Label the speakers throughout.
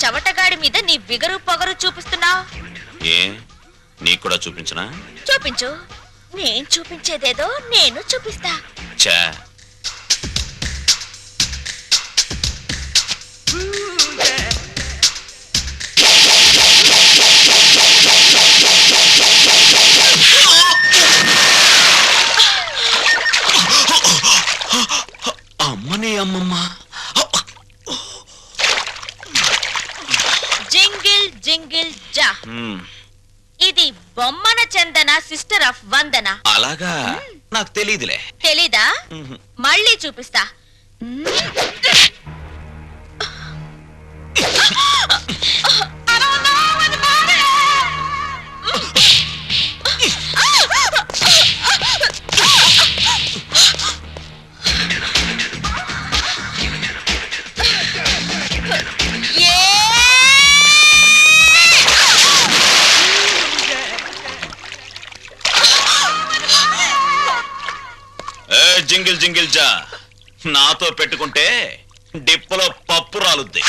Speaker 1: చవటగాడి మీద నీ బిగరు పొగరు చూపిస్తున్నావు.
Speaker 2: ఏ నీకు కూడా చూపించనా?
Speaker 1: చూపించు. నేను చూపించేదేదో నేను చూపిస్తా.
Speaker 2: చా అమ్మనే అమ్మమ్మ.
Speaker 1: జింగిల్ జింగిల్ జా. ఇది బొమ్మన చందన సిస్టర్ ఆఫ్ వందన.
Speaker 2: అలాగా? నాకు తెలీదులే.
Speaker 1: తెలీదా? మళ్ళీ చూపిస్తా.
Speaker 2: జింగిల్ జింగిల్ జా నాతో పెట్టుకుంటే డిప్పలో పప్పు రాలుద్ది.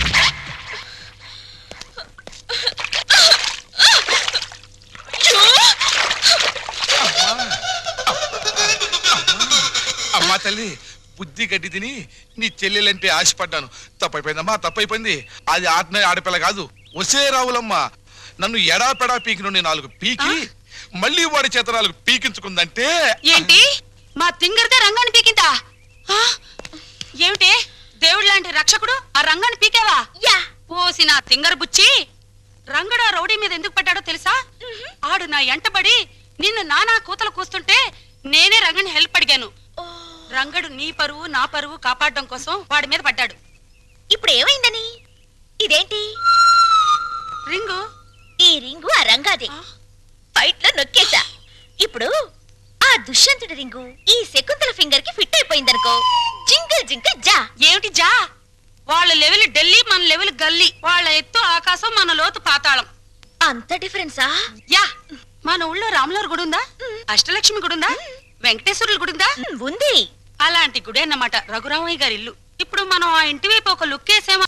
Speaker 3: అమ్మా తల్లి, బుద్ధి గడ్డి తిని నీ చెల్లెలంటే ఆశపడ్డాను. తప్పైపోయిందమ్మా, తప్పైపోయింది. అది ఆడపిల్ల కాదు, ఒసే రావులమ్మా. నన్ను ఎడాపెడా పీకినుండి 4 పీకి మళ్ళీ వాడి చేత 4 పీకించుకుందంటే
Speaker 4: ఏంటి? మా తింగర్దే రంగాన్ని పీకిందా? ఏమిటి దేవుడు లాంటి రక్షకుడు ఆ రంగాన్ని పీకేవా? పోసి నా తింగర్ బుచ్చి. రంగడు ఆ రౌడీ మీద ఎందుకు పడ్డాడో తెలుసా? ఆడు నా ఎంటబడి నిన్ను నానా కూతలు కూస్తుంటే నేనే రంగని హెల్ప్ అడిగాను. రంగడు నీ పరువు నా పరువు కాపాడడం కోసం వాడి మీద పడ్డాడు.
Speaker 1: ఇప్పుడు ఏమైందని? ఇదేంటి
Speaker 4: రింగు?
Speaker 1: ఈ రింగు ఆ రంగాదే. ఫైట్ లో నొక్కేశా. ఇప్పుడు ఆ దుష్యంతుడి రింగు ఈ శకుంతల ఫింగర్ కి ఫిట్ అయిపోయిందనుకో. జింగిల్ జింగిల్ జా.
Speaker 4: ఏమిటి జా? వాళ్ళ లెవెల్ ఢిల్లీ, మన లెవెల్ గల్లీ. వాళ్ళ ఎత్తు ఆకాశం, మన లోతు పాతాళం.
Speaker 1: అంత డిఫరెన్సా?
Speaker 4: యా. మన ఊళ్ళో రాములవారి గుడి ఉందా? అష్టలక్ష్మి గుడి ఉందా? వెంకటేశ్వరుల గుడి ఉందా?
Speaker 1: ఉంది.
Speaker 4: అలాంటి గుడి అన్నమాట రఘురామయ్య గారి ఇల్లు. ఇప్పుడు మనం ఆ ఇంటి వైపు ఒక లుక్ వేసామా?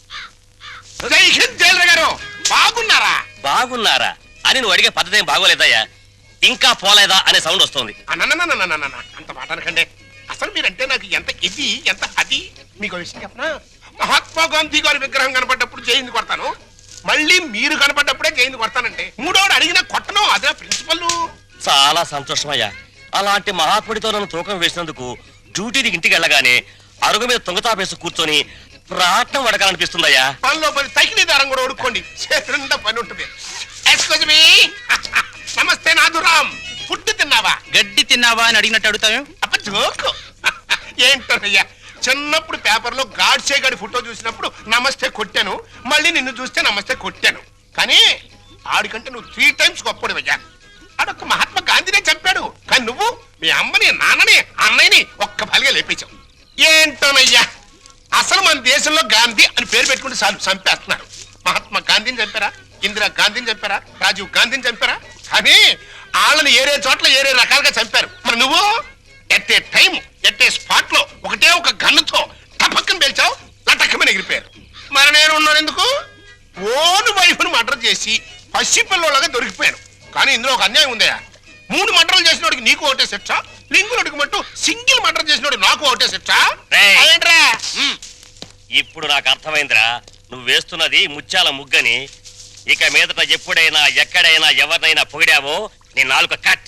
Speaker 3: బాగున్నారా?
Speaker 5: బాగున్నారా అని నువ్వు అడిగే పద్ధతి ఏం బాగోలేదయ్యా. ఇంకా పోలేదా అనే సౌండ్ వస్తుంది.
Speaker 6: అంత మాట అనకండి. అసలు మీరంటే నాకు ఎంత ఇది ఎంత అది. మీకు విషయం చెప్పనా? మహాత్మా గాంధీ గారి విగ్రహం కనపడ్డప్పుడు జైలు కొడతాను, మళ్ళీ మీరు కనపడ్డప్పుడే జైలు కొడతానంటే. మూడోడు అడిగినా కొట్టను, అదే ప్రిన్సిపల్.
Speaker 5: చాలా సంతోషమయ్యా. అలాంటి మహాత్ముడితో నన్ను తూకం వేసినందుకు డ్యూటీకి ఇంటికి వెళ్ళగానే అరుగు మీద తుంగతాపేసి కూర్చొని ప్రాణం వడకాలనిపిస్తుందయ్యా.
Speaker 6: పనిలో పని తగిలి దారం కూడా ఉడుకోండి, చేతులంతా పని ఉంటుంది. Excuse me. నమస్తే నాథురామ్. ఫుడ్ తిన్నావా?
Speaker 7: గడ్డి తిన్నావా అని అడిగినట్టు అడుగుతావు.
Speaker 6: అప్ప జోకు. ఏంటోనయ్యా, చిన్నప్పుడు పేపర్లో గాడ్సే గాడి ఫోటో చూసినప్పుడు నమస్తే కొట్టాను, మళ్ళీ నిన్ను చూస్తే నమస్తే కొట్టాను. కానీ ఆడికంటే నువ్వు 3 times గొప్పడివయ్యా. ఆడొక్క మహాత్మా గాంధీనే చంపాడు, కానీ నువ్వు మీ అమ్మని నాన్నని అన్నయ్యని ఒక్క బలిగా లేపేశావు. ఏంటోనయ్యా, అసలు మన దేశంలో గాంధీ అని పేరు పెట్టుకుంటే చాలు చంపేస్తున్నారు. మహాత్మా గాంధీని చంపారా? ఇందిరా గాంధీని చంపారా? రాజీవ్ గాంధీని చంపారా? కానీ వాళ్ళని ఏరే చోట్ల ఏరే రకాలుగా చంపారు. మరి నువ్వు at a time at a spot లో ఒకటే ఒక గన్నుతో టపక్కన పేల్చావు, లటక్కమని ఎగిరిపోయారు. మరి నేను ఉన్నాను ఎందుకు? ఓను వైఫ్ను మర్డర్ చేసి పసిపిల్లలాగా దొరికిపోయాను. కానీ ఇందులో ఒక అన్యాయం ఉందయా. 3 మర్డర్లు చేసినోడికి నీకు ఒకటే శిక్ష, లింగులకి మట్టు సింగిల్ మర్డర్ చేసినోడు నాకు ఒకటే శిక్ష. అదేంట్రా?
Speaker 5: ఇప్పుడు నాకు అర్థమైందిరా, నువ్వు వేస్తున్నది ముత్యాల ముగ్గని. ఇక మీదట ఎప్పుడైనా ఎక్కడైనా ఎవరినైనా పొగిడావో నీ నాలుక కట్.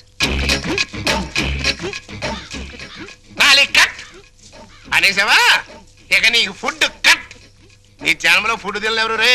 Speaker 6: కట్ అనేసావా? ఇక నీకు ఫుడ్ కట్. నీ జన్మలో ఫుడ్ తినలేవరు రే.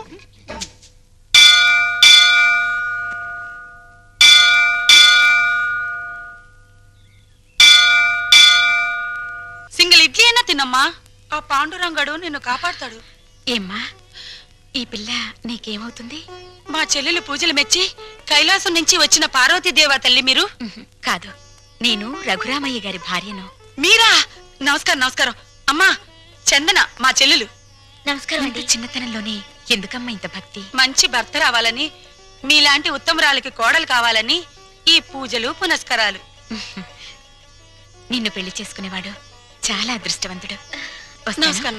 Speaker 4: సింగిల్ ఇడ్లీ అయినా తినమ్మా. ఆ పాండురంగడు నిన్ను కాపాడుతాడు.
Speaker 1: ఏమ్మా, ఈ పిల్ల నీకేమవుతుంది?
Speaker 4: మా చెల్లెలు పూజలు మెచ్చి కైలాసం నుంచి వచ్చిన పార్వతీదేవా తల్లి మీరు?
Speaker 1: కాదు, నేను రఘురామయ్య గారి భార్యను.
Speaker 4: మీరా? నమస్కారం నమస్కారం. అమ్మా చందన మా చెల్లెలు.
Speaker 1: నమస్కారం అండి. చిన్నతనంలోనే ఎందుకమ్మా ఇంత భక్తి?
Speaker 4: మంచి భర్త రావాలని, మీలాంటి ఉత్తమరాలకి కోడలు కావాలని ఈ పూజలు పునస్కారాలు.
Speaker 1: నిన్ను పెళ్లి చేసుకునేవాడు చాలా అదృష్టవంతుడు.
Speaker 4: నమస్కారం.